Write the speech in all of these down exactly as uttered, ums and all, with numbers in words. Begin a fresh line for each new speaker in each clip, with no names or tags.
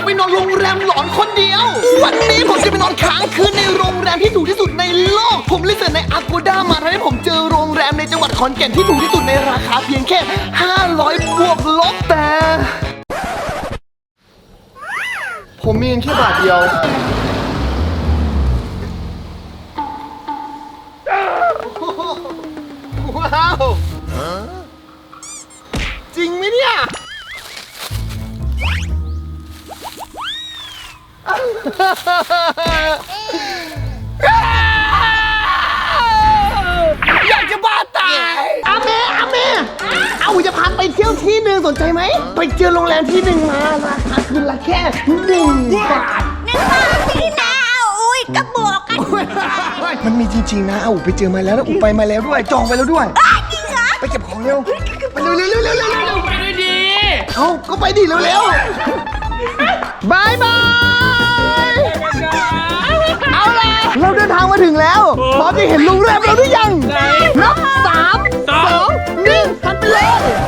ไปนอนโรงแรมหลอนคนเดียววันนี้ผมจะไปนอนค้างคืนในโรงแรมที่ถูกที่สุดในโลกผมรีเสิร์ชใน Agoda มาทำให้ผมเจอโรงแรมในจังหวัดขอนแก่นที่ถูกที่สุดในราคาเพียงแค่ห้าร้อยบวกลบแต่ผมมีเงินแค่บาทเดียวว้าวจริงไหมเนี่ยอยากจะบ้าตายอาเมอาเมเอาจะพาไปเที่ยวที่หนึ่งสนใจไหมไปเจอโรงแรมที่หนึ่งมาราคาคืนละแค่หนึ่งบาท
หนึ่งบาทพี่นาอุ้ยกระบอกกัน
มันมีจริงๆนะเอาไปเจอมาแล้วนะอุไปมาแล้วด้วยจองไปแล้วด้วย
จริงเหรอ
ไปเก็บของเร็วไปเร็วเร็วเร็วเร็วเร็วเร็ว
ไปด้วยดี
เอาก็ไปดิเร็วเร็วบายบายเอาล่ะเราเดินทางมาถึงแล้วพร้อมจะเห็นโรงแรมเราหรือยังนับสามสองหนึ่งทันไปเลย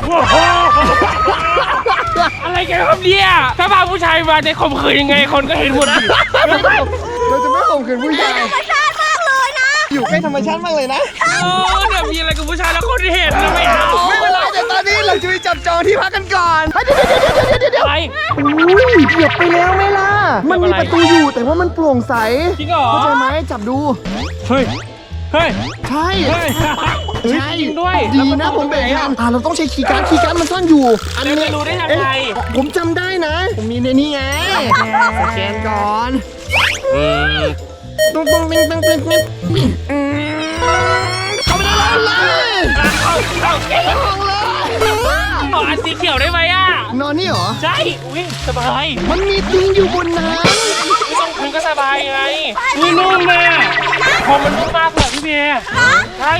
อะไรกันครับเนี่ยถ้าพาผู้ชายมาจะข่มขืนยังไงคนก็เห็นหมด
เราจะไม่ข่มขืนผู้ชาย
ธรรมชาติมากเลยนะ
อยู่ใกล้ธรรมชาติมากเลยนะ
โอ้เนี่ยมีอะไรกับผู้ชายแล้วคนเห็นนะไม่เอา
ไม่เป็นไรแต่ตอนนี้เราจะไปจับจองที่พักกันก่อนเดี๋ยวเดี๋ยวเดี๋ยวเดี๋ยวเดี๋ยว
อะไร
อุ้ยเหยียบไปแล้วไหมล่ะมันมีประตูอยู่แต่ว่ามันโปร่งใส
จริงเหรอ
เข้าใจไหมจับดู
เฮ้ยเฮ้ย
ใช่
ใช่ด้วย
ดีนะผมเบรกทันอ่าเราต้องใช้คีย์การ์ดคีย์การ์ดมันซ่อนอยู่
อันนี้ไม่รู้ได้ยังไง
ผมจำได้นะผมมีในนี้ไงสแกนก่อนตุ้งตุ้งติ้งติ้งติ้งติ้งเข้าไปได้เลย
เข้าเข้าเก่งเลยขออันสีเขียวได้ไหมอ่ะ
นอนนี่เหรอ
ใช่อุ้ยสบาย
มันมีเตียงอยู่บนนั้น
ไม่ต้องคืนก็สบายไงนี่นุ่มเลยพอมันนุ่มมากเลยพี่เมย์ใช่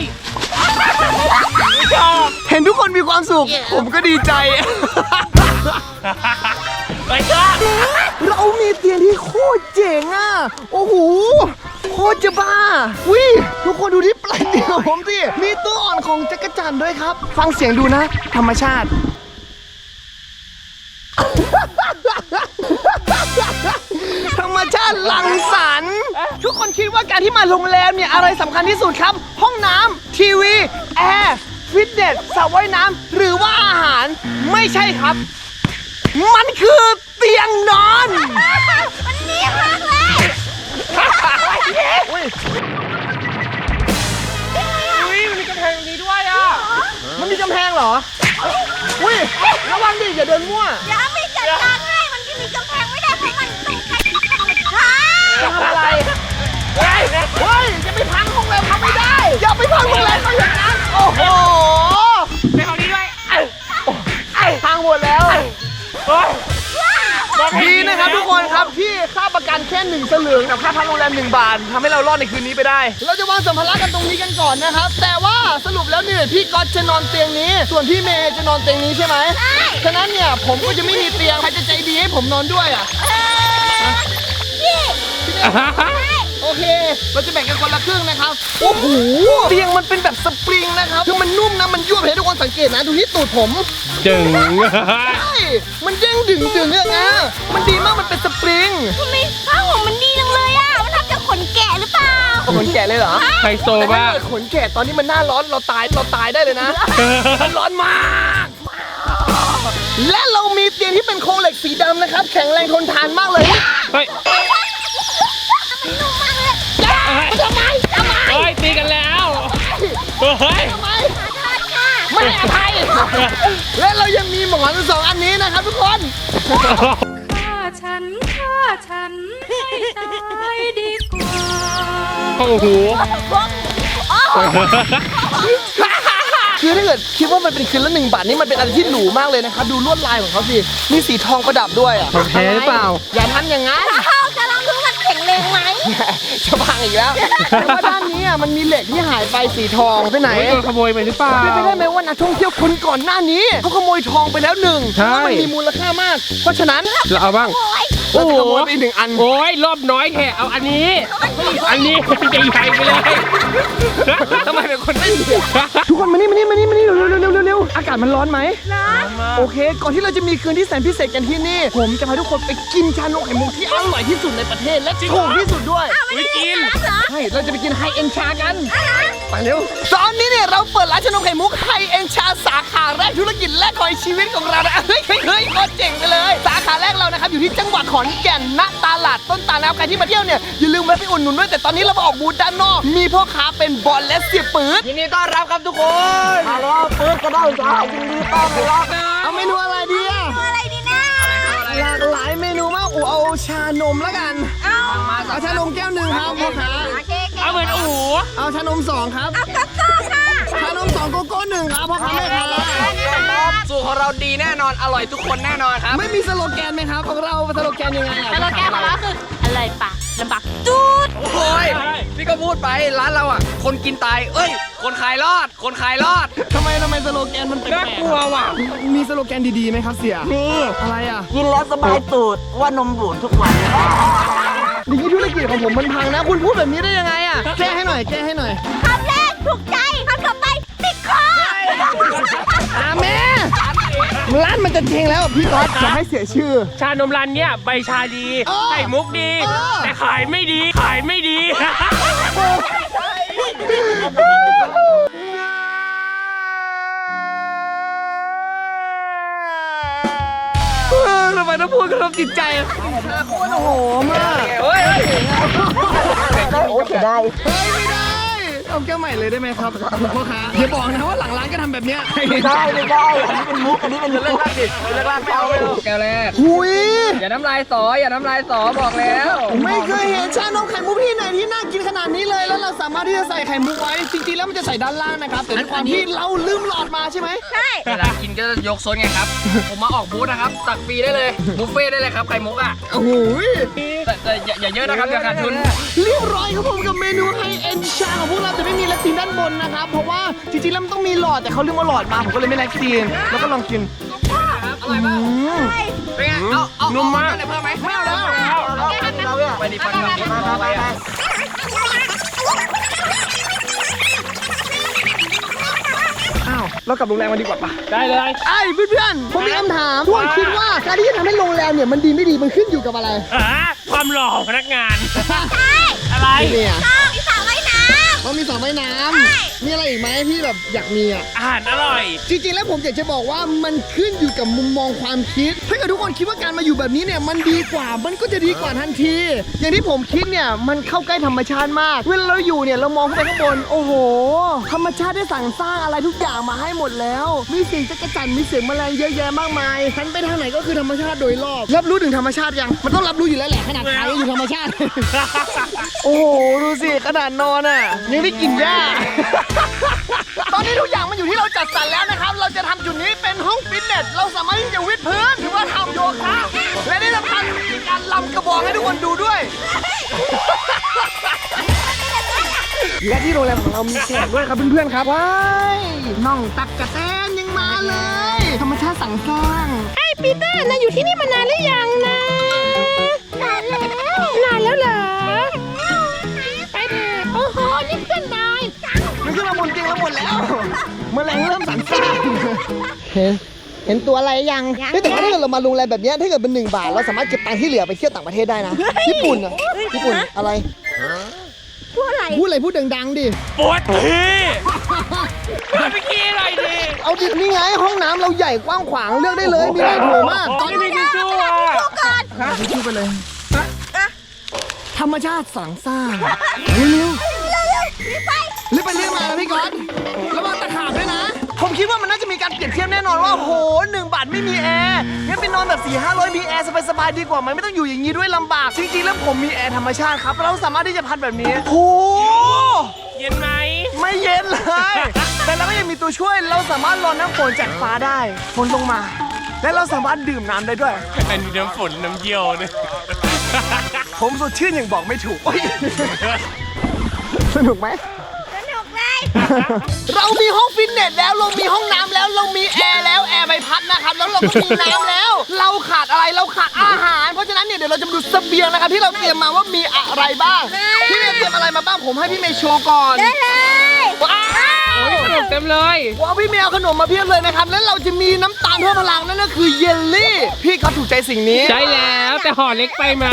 เห็นทุกคนมีความสุขผมก็ดีใจ
ไปจ้า
เรามีเตียงที่โคตรเจ๋งอ่ะโอ้โหโคตรจะบ้าวิทุกคนดูที่ปลายเตียงของผมสิมีตัวอ่อนของจักรจั่นด้วยครับฟังเสียงดูนะธรรมชาติธรรมชาติหลั่งสรรค์ทุกคนคิดว่าการที่มาโรงแรมเนี่ยอะไรสำคัญที่สุดครับห้องน้ำทีวีแอร์ฟิตเนสสระว่ายน้ำหรือว่าอาหารไม่ใช่ครับมันคือเตียงนอน
มันเนียนมากเลย
อุ้ยมันมีกำแพงนี้ด้วยอ่ะ
มันมีกำแพงเหรออุ้ยระวังดิอย่าเดินมั่ว
อย่าไม่จัดการให้มันที่มีกำแพงไม่ได้เพราะมันต้องใช้ธรรมชาติ
ทำอะไรเฮ้ยเฮ้ยจะไปพังโรงแรมเขาไม่ได้อย่าไปพังโรงแรมเขาอย่างนั้นโอ้โห
ไปเอานี้ด้วย
พังหมดแล้วดีนะครับทุกคนครับที่ค่าประกันแค่หนึ่งสลึงกับค่าพักโรงแรมหนึ่งบาททำให้เรารอดในคืนนี้ไปได้เราจะวางสัมภาระกันตรงนี้กันก่อนนะครับแต่ว่าสรุปแล้วเนี่ยพี่ก๊อตจะนอนเตียงนี้ส่วนพี่เมย์จะนอนเตียงนี้ใช่ไหมใช่ฉะนั้นเนี่ยผมก็จะไม่มีเตียงใครจะใจดีให้ผมนอนด้วยอ่ะ
พี่
โอเคเราจะแบ่งกันคนละครึ่งนะครับโอ้โหเตียงมันเป็นแบบสปริงนะครับคือมันนุ่มนะมันยั่วให้ทุกคนสังเกตนะดูที่ตูดผม
จึง
ใช่มันเด้งดึงดึงเนี่ยนะมันดีมากมันเป็นสปริง
ทำไมผ้าห่มมันดีจังเลยอ่ะมันทำจากขนแกะหรือเปล่า
ขนแกะเลยเหรอ
ไฮโซมาก
ขนแกะตอนนี้มันหน้าร้อนเราตายเราตายได้เลยนะมันร้อนมากและเรามีเตียงที่เป็นโครงเหล็กสีดำนะครับแข็งแรงทนทานมากเลย
เฮ้ย
มันนุ่มมากเลยทำไมทำไม
เฮ้ยตีกันแล้วเฮ้ย
ทำไมไม่อภัยและเรายังมีหมอนสองอันนี้นะครับทุกคน
ฆ่าฉันฆ่าฉันให้ตายดีกว่า
โอ้โห
คือถ้าเกิดคิดว่ามันเป็นคืนละหนึ่งบาทนี่มันเป็นอะไรที่หรูมากเลยนะครับดูลวดลายของเขาสิมีสีทองประดับด้วยอ่ะ
แท้หรือเปล่า
อย่าทำอย่างนั้น
เราจะลองดูมันแข็งแรงไหม
จะพังอีกแล้วแต่ว่าด้านนี้อ่ะมันมีเหล็กที่หายไปสีทองไปไหน
โดนขโมยไปหรือเปล่า
เป็นไปได้ไหมว่านักท่องเที่ยวคนก่อนหน้านี้เขาขโมยทองไปแล้วหนึ่งเพ
ใช่
ราะว่ามันมีมูลค่ามาก เพราะฉะนั้น
เราเอาบ้าง
เราจะขโมยไปอีกหนึ่งอัน
โอ้ยรอบน้อยแค่เอาอันนี้ อันนี้ใหญ่ๆไปเลย
ทำไมเป็นคนไม่ดีทุกคนมานี่มานี่มานี่มานี่เร็วเร็วเร็วเร็วเร็วอากาศมันร้อนไหม โอเค ก่อนที่เราจะมีคืนที่แสนพิเศษกันที่นี่ ผมจะพาทุกคนไปกินชานมไข่มุกที่อร่อยที่สุดในประเทศและถูกที่สุดด้วย
ไม่กิน
ใช่ เราจะไปกินไฮเอ็นชากัน ไปเร็ว ตอนนี้เนี่ยเราเปิดร้านชานมไข่มุกไฮเอ็นชาสาขาแรกธุรกิจแรกของชีวิตของเรานะเฮ้ยเฮ้ยเฮ้ยโคตรเจ๋งไปเลย สาขาแรกเรานะครับอยู่ที่จังหวัดขอนแก่นณตลาดต้นตาลนะครับใครที่มาเที่ยวเนี่ยอย่าลืมแวะไปอุดหนุนด้วยแต่ตอนนี้เรามาออกบูธด้านนอก มีพ่อค้าเป็นบอลและเสียปืนยินดีต้อนรับครับทุกคน มาแล้วปืนก็ได้จ้ายินดีต้อนรับเอาเมนูอะไรดีอะ
อะไรดีนะ
หลากหลายเมนูมากอูเอาชานมแล้วกัน
เอา
เอาชานมแก้วหนึ่งครับพ่อค้า
โอเค
เอาเหมือนอู๋
เอาชานมสองครับ
เอากระโต้ค่ะ
ชานมสองโกโก้หนึ่งครับพ่อค้าแม่ค้า
สูตรของเราดีแน่นอน อร่อยทุกคนแน่นอนครับ
ไม่มีสโลแกนไหมครับของเราสโลแกนยังไงอะ
สโลแกนของเราคืออะไรปะลำบากจูด
โอ้ยพี่ก็พูดไปร้านเราอ่ะ คนกินตาย เอ้ย คนขายรอด คนขายรอด
ทำไมทำไมสโลแกนมันแปล
น่าก กลัวว่ะ
ๆมีสโลแกนดีๆไหมครับเสีย
นี่
อะไรอ่ะ
กินแล้วสบายตูดว่านมบูดทุกวัน
อย่างนี้ธุรกิจของผมมันพังนะ คุณพูดแบบนี้ได้ยังไงอ่ะแก้ให้หน่อยแก้ให้หน่อย
คำแรกถูกใจคำต่อไปติดคอ
อาแม่ร้านมันจะเจ๊งแล้วพี่ก๊อตจะให้เสียชื่อ
ชานมร้านเนี้ยใบชาดี
เออ
ไข่มุกดี
เออ
แต่ขายไม่ดี ขายไม่ดี
เออทำไมต้องพูดกระทบจิตใจโคตรโหมาก
เฮ้ย
โอ้เสียดาย
เฮ้ยไม่ได้ เอาแก้วใหม่เลยได้ไหมครับพ่อค้าอย่าบอกนะว่าหลังร้านก็ทำแบบเนี้ย
ไม่ได้ไม่ได้ อันนี้เป็นมุก อันนี้เป็นมุก
เลิกลากดิเลิกลากไม่เอาไม่เอาแก้วแรก
หุย
อย่าน้ำลายสอ อย่าน้ำลายสอบอกแล้ว
ไม่เคยเห็นชานมไข่มุกที่ไหนที่น่ากินขนาดนี้เลย แล้วเราสามารถที่จะใส่ไข่มุกไว้ จริงๆแล้วมันจะใส่ด้านล่างนะครับ แต่ด้วยความที่เราลืมหลอดมาใช่ไหม
ใช่
เวลากินก็จะยกซดไงครับ ผมมาออกบูธนะครับ ตักฟรีได้เลย บุฟเฟ่ต์ได้เลยครับ ไข่มุกอ่ะ
โอ้โห
แต่แต่อย่าอย่าเยอะนะครับอย่าขาดทุน
เรียบร้อยครับผมกับเมนูไฮเอ็นชาของพวกเราจะไม่มีแลคตินด้านบนนะครับ เพราะว่าจริงๆแล้วมันต้องมีหลอดแต่เขาลืมเอาหลอดมาผมก็เลยไม่แลคตินแล้วก็ลองกิน
อร่อยมาก
อืม
เป็นไง เอา เอา
นุ่มมาก
เอเพิ่มไหม
ไม่เอาแล้ว
ไปดิฟันกับดิฟันเอาไปอ่ะ
อ้าวเรากลับโรงแรมกันดีกว่าปะ
ได้เลย
ไอ้เพื่อนๆผมมีคำถามทุกคนคิดว่าการที่จะทำให้โรงแรมเนี่ยมันดีไม่ดีมันขึ้นอยู่กับอะไร
อ่าความหล่อของพนักงาน อะไร
เนี่ย
ต้องมีสระว่ายน้
มันมีสระว่ายน้
ใช่
ำมีอะไรอีกไหมที่แบบอยากมีอ่ะ
อาหารอร่อย
จริงๆ แล้วผมอยากจะบอกว่ามันขึ้นอยู่กับมุมมองความคิด ถ้าเกิดทุกคนคิดว่าการมาอยู่แบบนี้เนี่ยมันดีกว่า มันก็จะดีกว่าทันที อย่างที่ผมคิดเนี่ยมันเข้าใกล้ธรรมชาติมาก เวลาเราอยู่เนี่ยเรามองขึ้นไปข้างบน โอ้โห ธรรมชาติได้สั่งสร้างอะไรทุกอย่างมาให้หมดแล้ว มีเสียงจักรจั่นมีเสียงแมลงเยอะแยะมากมายหันไปทางไหนก็คือธรรมชาติโดยรอบ รับรู้ถึงธรรมชาติยัง มันต้องรับรู้อยู่แล้วแหละขนาดขายังอยู่ธรรมชาติ โอ้โห ดูสิขนาดนอนอ่ะยังได้กินหญ้า ตอนนี้ทุกอย่างมันอยู่ที่เราจัดสรรแล้วนะครับ เราจะทำจุดนี้เป็นห้องฟิตเนส เราสามารถที่จะวิดพื้นหรือว่าทำโยคะ และที่สำคัญมีการลำกระบอกให้ทุกคนดูด้วย และที่โรงแรมของเรามีแขกด้วยครับเพื่อนๆครับ ว้ายน้องตักกะแตนยังมาเลย ธรรมชาติสั่งสร้าง
ำไอ้ปีเตอร์นายอยู่ที่นี่มานานหรือยังนะนานแล้วนานแล้วเหรอไปเถอะโอ้โหนี่เพื่อนนาย
มันขึ้นมาบนเตียงแล้วหมดแล้วแมลงเริ่มสั่นซ่านเห็นเห็นตัวอะไรยังเฮ้ยแต่ว่าถ้าเกิดเรามาโรงแรมแบบเนี้ยถ้าเกิดเป็นหนึ่งบาทเราสามารถเก็บตังค์ที่เหลือไปเที่ยวต่างประเทศได้นะ ญี่ปุ่นอ่ะญี่ปุ่นอะไร
พูดอะไร
พูดอะไรพูดดังๆดิ
ปวดทีมาไปกี้หน่อยดิ
เอาดินี่ไงห้องน้ำเราใหญ่กว้างขวางเลือกได้เลยมีหลายโถมากตอน
ไม่
นี้
มีทิชชู่อ่ะ
ทิชชู่ไปเลยธรรมชาติสั่งสร้างเร็วๆรีบไปเรียกมานะพี่ก๊อตแล้วมาตะขาบด้วยนะ ผมคิดว่ามันน่าจะมีการเปรียบเทียบแน่นอนว่าโหหนึ่งบาทไม่มีแอร์งั้นไปนอนแบบสี่ห้าร้อยมีแอร์สบายๆดีกว่าไหมไม่ต้องอยู่อย่างนี้ด้วยลำบากจริงๆแล้วผมมีแอร์ธรรมชาติครับเราสามารถที่จะพัดแบบนี้โห
เย็นไหม
ไม่เย็นเลย แต่เราก็ยังมีตัวช่วย เราสามารถรอน้ำฝนจากฟ้าได้ฝนลงมา และเราสามารถดื่มน้ำได้ด้วย
อันนี้น้ำฝนน้ำเยี่ยวเนี่ย
ผมสดชื่นอย่างบอกไม่ถูก สนุกไหม
สนุกเลย
เรามีห้องฟิตเนสแล้วเรามีห้องน้ำแล้วเรามีแอร์แล้วแอร์ใบพัดนะครับแล้วเราก็มีน้ำแล้ว เราขาดอะไรเราขาดอาหาร เพราะฉะนั้นเนี่ยเดี๋ยวเราจะมาดูเสบียงนะครับที่เราเตรียมมาว่ามีอะไรบ้างพี่เมย์เตรียมอะไรมาบ้างผมให้พี่เมย์โชว์ก่อน
ได้เลย
ว้าว
ขนมเต็มเลย
ว้าวพี่เมย์เอาขนมมาเพียบเลยนะครับแล้วเราจะมีน้ำตาลเพิ่มพลังนั่นก็คือเยลลี่พี่เขาถูกใจสิ่งนี้
ใช่แล้วแต่ห่อเล็กไปไหม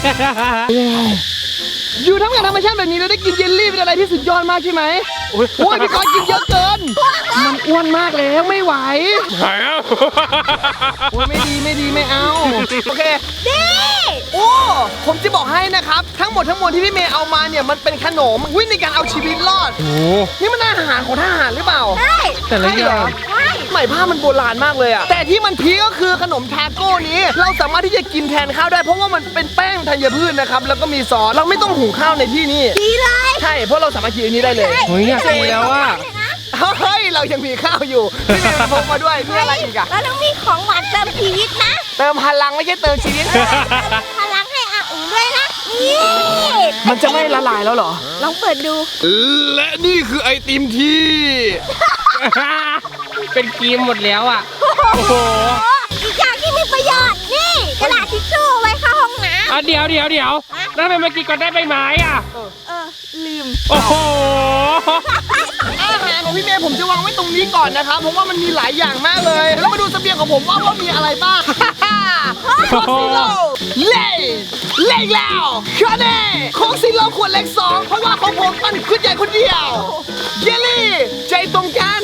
อยู่ทั้งกับธรรมชาติแบบนี้แล้วได้กินเยลลี่เป็นอะไรที่สุดยอดมากใช่ไหมโอ้ยพี่กอนกินเยอะเกินมันอ้วนมากแล้วไม่ไหว
หายแล้ว
โอ้ยไม่ดีไม่ดีไม่เอาโอเค
ดี
โอ้ผมจะบอกให้นะครับทั้งหมดทั้งมวลที่พี่เมย์เอามาเนี่ยมันเป็นขนมวิ่งในการเอาชีวิตรอด
โอ้
นี่มันอาหารของทหารหรือเปล่า
ได้
แต่ละอย่าง
ไม่
ใหม่ผ้ามันโบราณมากเลยอะแต่ที่มันพีคก็คือขนมทาโก้นี้ เราสามารถที่จะกินแทนข้าวได้เพราะว่ามันเป็นแป้งธัญพืชนะครับแล้วก็มีซอสเราไม่ต้องหุงข้าวในที่นี่
ดีเลย
ใช่เพราะเราสามารถกินอันนี้ได้เลย
เฮ้ยอยากกินแล้วอ่ะ
เฮ้ยเรายังมีข้าวอยู่พี่เมย์พกมาด้วยมีอะไรอีกอะ
เราต้องมีของหวานเติมชีวิตนะ
เติมพลังไม่ใช่เติมชีวิต
พลังให้อาอุ๋งด้วยนะ นี่
มันจะไม่ละลายแล้วเหรอ
ลองเปิดดู
และนี่คือไอติมที่
เป็นครีมหมดแล้วอ่ะ โอ้โห
อีกอย่างที่มีประโยชน์ นี่กระดาษทิชชู่ไว้เข้าห้องน้
อ่ะเดี๋ยวเดี๋ยวเดี๋ยวแล้วทำไมเมื่อกี้ก็ได้ใบไม้อ่ะ
ำเออ ลืม
โอ้โห
อาหารของพี่เมย์ผมจะวางไว้ตรงนี้ก่อนนะครับเพราะว่ามันมีหลายอย่างมากเลย แล้วมาดูเสบียงของผมว่าว่ามีอะไรบ้าง โค้กซีโร่เล่เล่อีกแล้วคาเน่โค้กซีโร่ขวดเล็กสองเพราะว่าของผมมันขึ้นใหญ่คนเดียวเยลลี่ใจตรงกัน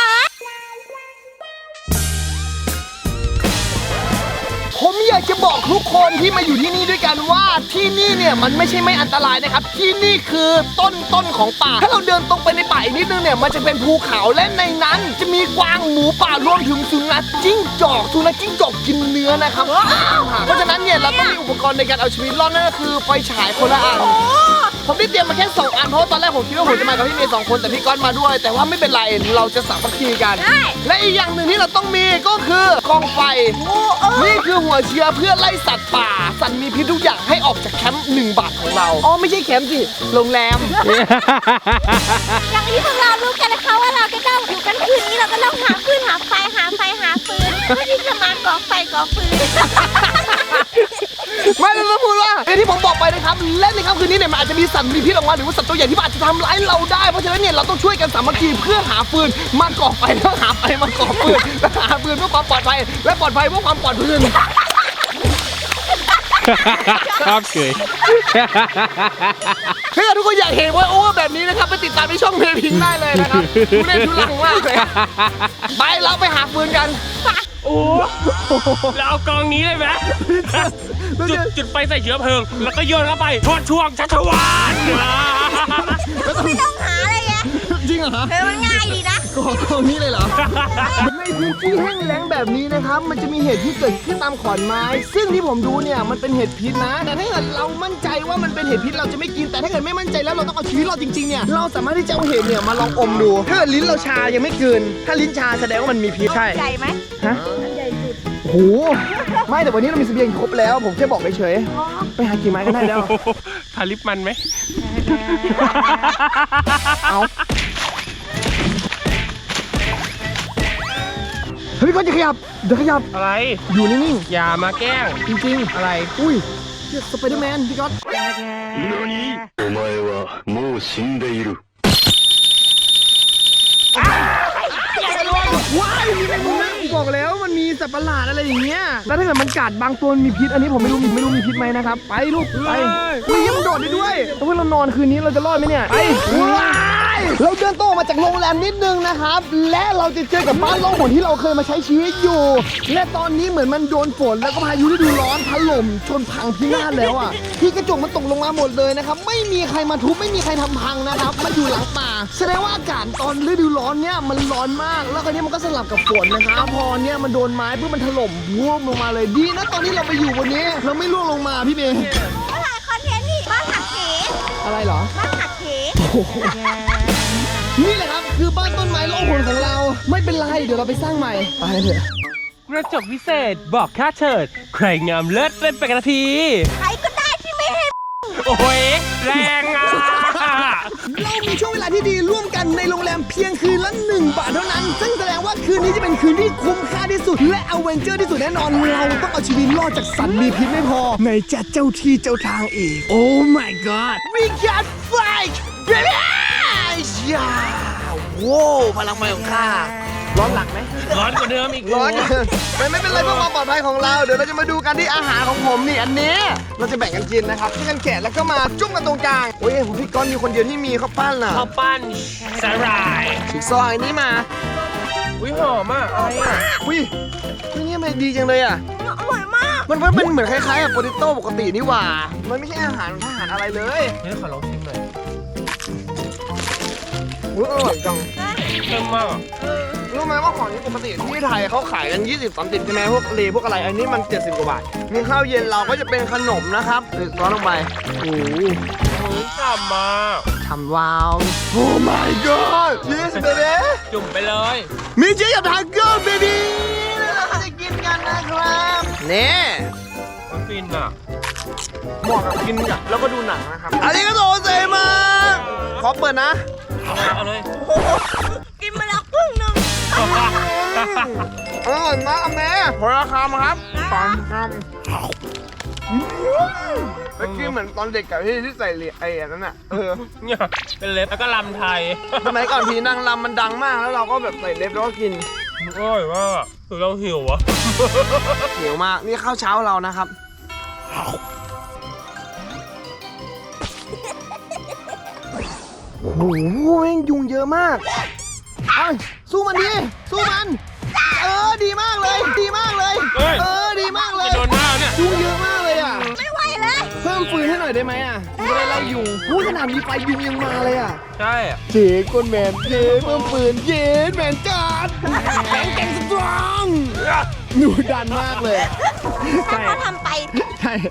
ผมอยากจะบอกทุกคนที่มาอยู่ที่นี่ด้วยกันว่าที่นี่เนี่ยมันไม่ใช่ไม่อันตรายนะครับที่นี่คือต้นต้นของป่าถ้าเราเดินตรงไปในป่าอีกนิดนึงเนี่ยมันจะเป็นภูเขาและในนั้น จะมีกวางหมูป่ารวมถึงสุนัขจิ้งจอกสุนัขจิ้งจอกกินเนื้อนะครับเพราะฉะนั้นเนี่ยเราต้องมีอุปกรณ์ในการเอาชีวิตรอดนั่นก็คือไฟฉายคนละอันผมได้เตรียมมาแค่สองอันเพราะว่าตอนแรกผมคิดว่าผมจะมากับพี่เมย์สองคนแต่พี่ก๊อตมาด้วย แต่ว่าไม่เป็นไรเราจะสามัคคีกัน
ได้
และอีกอย่างหนึ่งที่เราต้องมีก็คือกองไฟ นี่คือหัวเชื้อเพื่อไล่สัตว์ป่า สัตว์มีพิษทุกอย่างให้ออกจากแคมป์หนึ่งบาทของเรา อ๋อไม่ใช่แคมป์สิ โรงแรม
อย่างที่พวกเรารู้กันนะคะว่าเราจะต้องอยู่กันคืนนี้เราก็ต้องหาฟืนหาไฟหาไฟหาฟืนเพื่อที่จะมาก่อไฟก่อฟืน
ไม่ได้ต้องพูดว่าอย่างที่ผมบอกไปนะครับและในค่ำคืนนี้เนี่ยมันอาจจะมีสัตว์มีพิษออกมาหรือว่าสัตว์ตัวใหญ่ที่มันอาจจะทำร้ายเราได้เพราะฉะนั้นเนี่ยเราต้องช่วยกันสามัคคีเพื่อหาฟืนมาก่อไฟแล้วหาไฟมาก่อฟืนและหาฟืนเพื่อความปลอดภัยและปลอดภัยเพื่อความปลอดภัย
ชอบเกย
ถ้าเกิดทุกคนอยากเห็นว่าโอ้แบบนี้นะครับไปติดตามในช่องเพลพิงได้เลยนะครับทุเล่นทุลังมากเลยไปเราไปหาฟืนกัน
โอ้แล้วเอากองนี้เลยไหมจุดจุดไฟใส่เชื้อเพลิง แล้วก็โยนเข้าไปทอดช่วงชัชวาน
ไม่ต้องหาอะไรเงี้ย
จริงเหรอ
เออมันง่ายดีนะ
ก่อตรงนี้เลยเหรอ ในพื้นที่แห้งแล้งแบบนี้นะครับ มันจะมีเห็ดที่เกิดขึ้นตามขอนไม้ ซึ่งที่ผมดูเนี่ยมันเป็นเห็ดพิษนะ แต่ถ้าเกิดเรามั่นใจว่ามันเป็นเห็ดพิษเราจะไม่กิน แต่ถ้าเกิดไม่มั่นใจแล้วเราต้องเอาชีวิตเราจริงๆเนี่ย เราสามารถที่จะเอาเห็ดเนี่ยมาลองอมดู ถ้าเกิดลิ้นเราชายังไม่กลืน ถ้าลิ้นชาแสดงว่ามันมีพิษ ใช่
ใหญ่ไหม
ฮะ
มันใหญ่สุด
โอ้โห ไม่แต่วันนี้เรามีเสบียงครบแล้ว ผมแค่บอกเฉยๆไปหากี่ไม้ก็ได้แล้ว
ทาลิปมันไหม
เอาเฮ้ยก็จะขยับ เดี๋ยวขยับ
อะไร
อยู่นิ่ง
อย่ามาแกล้ง
ๆ จริงๆ
อะไร
อุ้ยเรียกสไปเดอร์แมนพี่ก๊อต
お前はもう死んでいる。
ว้ายมีแมงมุมนะบอกแล้วมันมีสัตว์ประหลาดอะไรอย่างเงี้ย แล้วถ้าเกิดมันกัดบางตัวมันมีพิษ อันนี้ผมไม่รู้มีไม่รู้มีพิษไหมนะครับ ไปลูก ไปอุ้ยมันโดดได้ด้วยแล้วพวกเรานอนคืนนี้เราจะรอดไหมเนี่ย ไปว้ายเราเดินโตออกมาจากโรงแรมนิดนึงนะครับ และเราจะเจอกับบ้านล่องหนที่เราเคยมาใช้ชีวิตอยู่ และตอนนี้เหมือนมันโดนฝนแล้วก็พายุฤดูร้อนถล่มจนพังพินาศแล้วอ่ะ ที่กระจกมันตกลงมาหมดเลยนะครับ ไม่มีใครมาทุบไม่มีใครทำพังนะครับ มันอยู่หลังป่า แสดงว่าอากาศตอนฤดูร้อนเนี่ยมันร้อนมาก แล้วคราวนี้มันก็สลับกับฝนนะครับ พอเนี่ยมันโดนไม้เพื่อมันถล่มร่วงลงมาเลย ดีนะตอนนี้เราไปอยู่บนนี้ เราไม่ร่วงลงมาพี่เมย์
ก็ถ่ายคอนเทนต์นี่บ้านหักเห
อะไรเหรอ
บ้านหักเห
นี่แหละครับคือบ้านต้นไม้ล่องหนของเรา ไม่เป็นไร เดี๋ยวเราไปสร้างใหม่ ไปเถอะ
กระจกวิเศษบอกค่าเชิด ใครงามเลิศเล่นไปกันที
ใครก็ได้ที่ไม่ให้
โอ้ยแรงอ่ะ
เรามีช่วงเวลาที่ดีร่วมกันในโรงแรมเพียงคืนละหนึ่งบาทเท่านั้น ซึ่งแสดงว่าคืนนี้จะเป็นคืนที่คุ้มค่าที่สุด และอเวนเจอร์ที่สุดแน่นอน เราต้องเอาชีวิตรอดจากสัตว์มีพิษไม่พอในจัดเจ้าที่เจ้าทางอีก Oh my god we got fight baby ยาโว้พลังไฟของข้าร้อนหลังไหม
ร้อนกว่าเดิมอีก
ร้อนไม่ไม่เป็นไรเพื่อความปลอดภัยของเรา เดี๋ยวเราจะมาดูกันที่อาหารของผมนี่อันนี้เราจะแบ่งกันกินนะครับที่กันแกะแล้วก็มาจุ่มกันตรงกลางโอ้ยผมพี่ก้อนมีคนเดียวที่มีข้าวปั้นน่ะ
ข้าวปั้นสาหร่าย
ฉีกซอยนี้มา
อุ้ยหอมอ่ะอะไรอ่ะ
อุ้ยนี่นี่มันดีจังเลยอ่ะอร่อยมากมันมันเป็นเหมือนคล้ายๆกับโปเตโต้ปกตินี่หว่ามันไม่ใช่อาหารทหารอะไรเลย
เฮ้ยขอลองชิมหน่อย
อุ้ยอร่อยจัง
เพิ่มมากอ่ะ
รู้ไหมว่าของนี้ปกติที่ไทยเขาขายกันยี่สิบ สามสิบใช่ไหมพวกเลพวกอะไรอันนี้มันเจ็ดสิบกว่าบาทมีข้าวเย็นเราก็จะเป็นขนมนะครับเออร้อนลงไปโอ้โห
เฮ้ยฉ่ำมาก
ทำว้าว Oh my god yes baby
จุ่มไปเลย
มีเจ๊กับทาโก้ baby แล้วเราจะกินกันนะครับนี่
มันฟินอ่ะ
เหมาะกับกินกับแล้วก็ดูหนังนะครับอันนี้ก็โตเซมาขอเปิดนะ
เอาเลย
กินมาแล้วครึ่งหนึ่ง
อร่อยมากแม่พอราคามาครับสามคำเมื่อกี้เหมือนตอนเด็กกับที่ที่ใส่เหรียญไอ้อันนั้นอ่ะเออ
เนี่ยเป็นเล็บแล้วก็ลำไทย
สมัยก่อนพีนางรำมันดังมากแล้วเราก็แบบใส่เล็บแล้วก็กิน
อร่อยมากคือเราหิวอ่ะ
เหนียวมากนี่ข้าวเช้าเรานะครับโอ้โหแม่งยุงเยอะมากเอ้ยสู้มันดิสู้มันเออดีมากเลยดีมากเลย
เฮ้ย
เออดีมากเลย
จะโดนหน้าเนี่ย
ยุงเยอะมากเลยอ่ะ
ไม่ไหวเลย
เพิ่มฟืนให้หน่อยได้ไหมอ่ะจะได้ไล่ยุงพูดขนาดมีไฟยุงยังมาเลยอ่ะ
ใช่
เจ๊ก้นแมนเจ๊เพิ่มปืนเจ๊แมนจัดแข็งแกร่งสตรองหนูดันมากเลย
ถ้าเขาทำไป
ใช่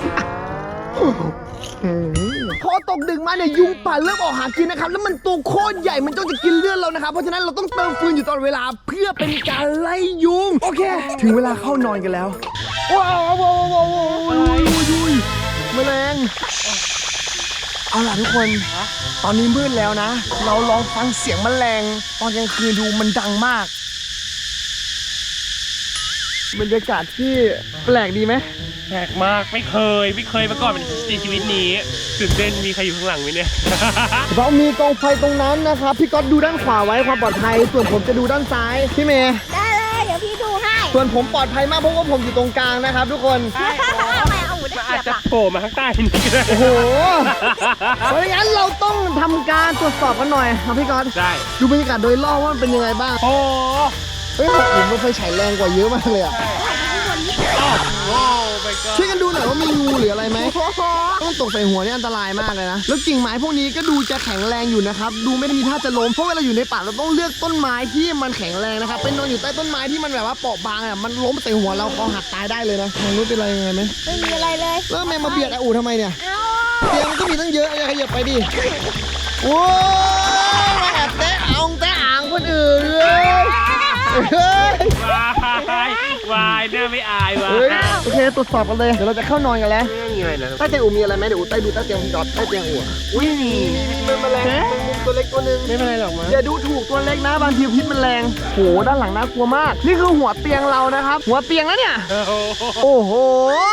พอตกดึกมาเนี่ยยุงป่าเริ่มออกหากินนะครับแล้วมันตัวโคตรใหญ่มันจ้องจะกินเลือดเรานะครับเพราะฉะนั้นเราต้องเติมฟืนอยู่ตลอดเวลาเพื่อเป็นการไล่ยุงโอเค ถึงเวลาเข้านอนกันแล้วว้าวว้าวว้าวว้าวว้าวแมลงเอาล่ะทุกคน ตอนนี้มืดแล้วนะ เราลองฟังเสียงแมลงตอนกลางคืนดูมันดังมาก บรรยากาศที่แปลกดีไหม
แปลกมากไม่เคยไม่เคยมาก่อนในชีวิตนี้ตื่นเต้นมีใครอยู่ข้างหลังไหมเนี่ย
เรามีกองไฟตรงนั้นนะครับ พี่ก๊อตดูด้านขวาไว้ความปลอดภัย ส่วนผมจะดูด้านซ้าย พี่เมย์
ได้เลยเดี๋ยวพี่ดูให้
ส่วนผมปลอดภัยมากเพราะว่าผมอยู่ตรงกลางนะครับ ทุกคน
ทำไมเอาหูได้
อาจ
เสียบ
จะ
อ่ะ
โผล่มาข้างใต้นี่ก็ได้
โอ้โห เพราะงั้นเราต้องทำการตรวจสอบกันหน่อยครับพี่ก๊อต
ได้
ดูบรรยากาศโดยรอบว่ามันเป็นยังไงบ้าง
โอ้
เฮ้ยผมมันไฟฉายแรงกว่าเยอะมากเลยอะ
โอ้ไปก็
ช่วยกันดูหน่อยว่ามีงูหรืออะไรไหมต้องตกใส่หัวนี่อันตรายมากเลยนะ แล้วกิ่งไม้พวกนี้ก็ดูจะแข็งแรงอยู่นะครับ ดูไม่ได้มีท่าจะล้ม เพราะเวลาอยู่ในป่าเราต้องเลือกต้นไม้ที่มันแข็งแรงนะครับ เป็นนอนอยู่ใต้ต้นไม้ที่มันแบบว่าเปราะบางอ่ะ มันล้มใส่หัวเราคอหักตายได้เลยนะทางนู้นเป็นอะไรยังไงไหม
ไม่มีอะไรเลย
แล้วแม่มาเบียดไอ้อูทำไมเนี่ย
เอา
เตียงมันก็มีตั้งเยอะอย่าขยับไปดิโอ้ยมาแอบแตะอ่างแตะอ่างคนอื่นเลยเฮ้ย
วายวายเน่าไม่อายว่ะ
เฮ้ยโอเคตรวจสอบกันเลย เดี๋ยวเราจะเข้านอนกันแล้ว
ไม่มีอะไรนะ
ใต้เตียงอูมีอะไรไหมเดี๋ยวอูใต้ดูใต้เตียงจอดใต้เตียงอูอุ้ยมีมีมีมันแมลงมุมตัวเล็กตัวหนึง
ไม่เป็นไรหรอกมั้ง
อย่าดูถูกตัวเล็กนะบางทีพิษมันแรงโหด้านหลังน่ากลัวมาก นี่คือหัวเตียงเรานะครับ หัวเตียงแล้วเนี่ย
โอ้โห
โอ้โห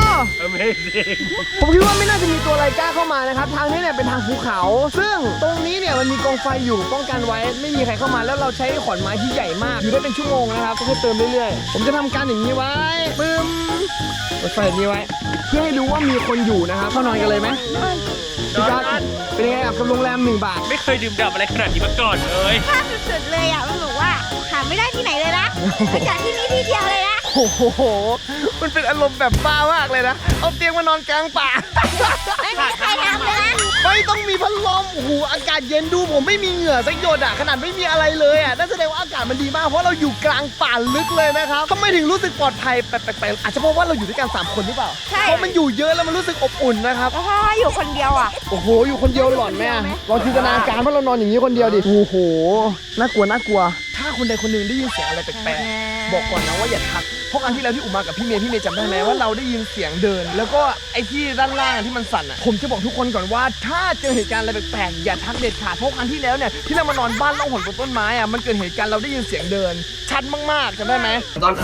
Amazing
ผมคิดว่าไม่น่าจะมีตัวอะไรกล้าเข้ามานะครับ ทางนี้เนี่ยเป็นทางภูเขา ซึ่งตรงนี้เนี่ยมันมีกองไฟอยู่ป้องกันไว้ ไม่มีใครเข้ามาแล้วเราใช้ขอนไม้ที่ใหญ่มาก อยู่ได้เป็นชั่วโมงนะครับต้องให้เติมเรื่อยๆ ผมจะทำการอย่างนี้ไว้ปึ้มเปิดไฟแบบนี้ไว้ เพื่อให้รู้ว่ามีคนอยู่นะครับเข้านอนกันเลยไหมพี่ก๊อตเป็นยังไงกับโรงแรมหนึ่งบาท
ไม่เคยดื่มด่ำอะไรขนาดนี้มาก่อนเลย
ภาพสุดๆเลยอ่ะมันบอกว่าหาไม่ได้ที่ไหนเลยนะนอกจากที่นี่ที่เดียวเลยนะ
โอ้โห มันเป็นอารมณ์แบบบ้ามากเลยนะ เอาเตียงมานอนกลางป่า
ไม่มีใครทำเลยนะ
ไม่ต้องมีพัดลม โอ้โห อากาศเย็นดูผมไม่มีเหงื่อสักหยดอ่ะ ขนาดไม่มีอะไรเลยอ่ะ นั่นแสดงว่าอากาศมันดีมาก เพราะเราอยู่กลางป่าลึกเลยนะครับทำไมถึงรู้สึกปลอดภัยแปลกๆอาจจะเพราะว่าเราอยู่ด้วยกันสามคนหรือเปล่า
ใช่
เพราะมันอยู่เยอะแล้วมันรู้สึกอบอุ่นนะครับ
แล้วถ้าอยู่คนเดียวอ่ะ
โอ้โห อยู่คนเดียวหลอนแม่ลองจินตนาการว่าเรานอนอย่างนี้คนเดียวดิ โอ้โห น่ากลัว น่ากลัว ถ้าคนใดคนหนึ่งได้ยินเสียงอะไรแปลกๆบอกก่อนนะว่าอย่าทักเพราะครั้งที่แล้วที่อุมากับพี่เมย์พี่เมย์จำได้ไหมว่าเราได้ยินเสียงเดิน แล้วก็ไอ้ที่ด้านล่างที่มันสั่นอ่ะผมจะบอกทุกคนก่อนว่าถ้าเจอเหตุการณ์อะไรแปลกๆอย่าทักเด็ดขาดเพราะครั้งที่แล้วเนี่ยที่เรามานอนบ้านล่องหนบนต้นไม้อ่ะมันเกิดเหตุการณ์เราได้ยินเสียงเดินชัดมากๆจำได้ไหม
ตอน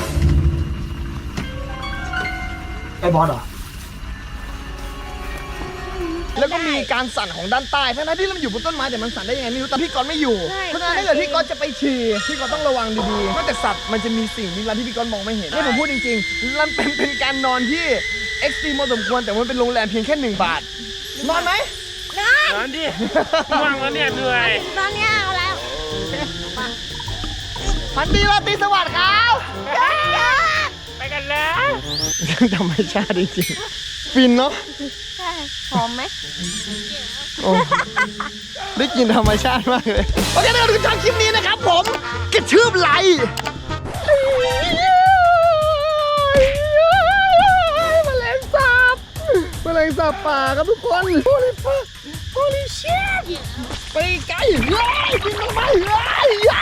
ไอ้บอสเหรอแล้วก็มีการสั่นของด้านใต้ทั้งๆที่เราอยู่บนต้นไม้แต่มันสั่นได้ยังไงไม่รู้แต่พี่ก๊อตไม่อยู่เพราะฉะนั้นถ้าเกิดพี่ก๊อตจะไปฉี่พี่ก๊อตต้องระวังดีๆนอกจากสัตว์มันจะมีสิ่งลี้ลับที่พี่ก๊อตมองไม่เห็นนี่ผมพูดจริงๆมันเป็นเป็นการนอนที่เอ็กซ์ตรีมพอสมควรแต่มันเป็นโรงแรมเพียงแค่หนึ่งบาทนอนไหม
นอนดิว่างแล้วเนี่ยเหนื่อย
ตอนนี้เอาแล้ว
พันดีราตรีสวัสดิ์ครับ
ไปกันแล้ว
ธรรมชาติจริงๆฟินเนาะ
ใช่หอมไหม
โอ้ได้กินธรรมชาติมากเลยโอเคนะครับทุกท่านคลิปนี้นะครับผมกระชืบไหลแมลงสาบแมลงสาบป่าครับทุกคน Holy fuck Holy shit ไปไกลเฮ้ยบินลงมาเฮ้ย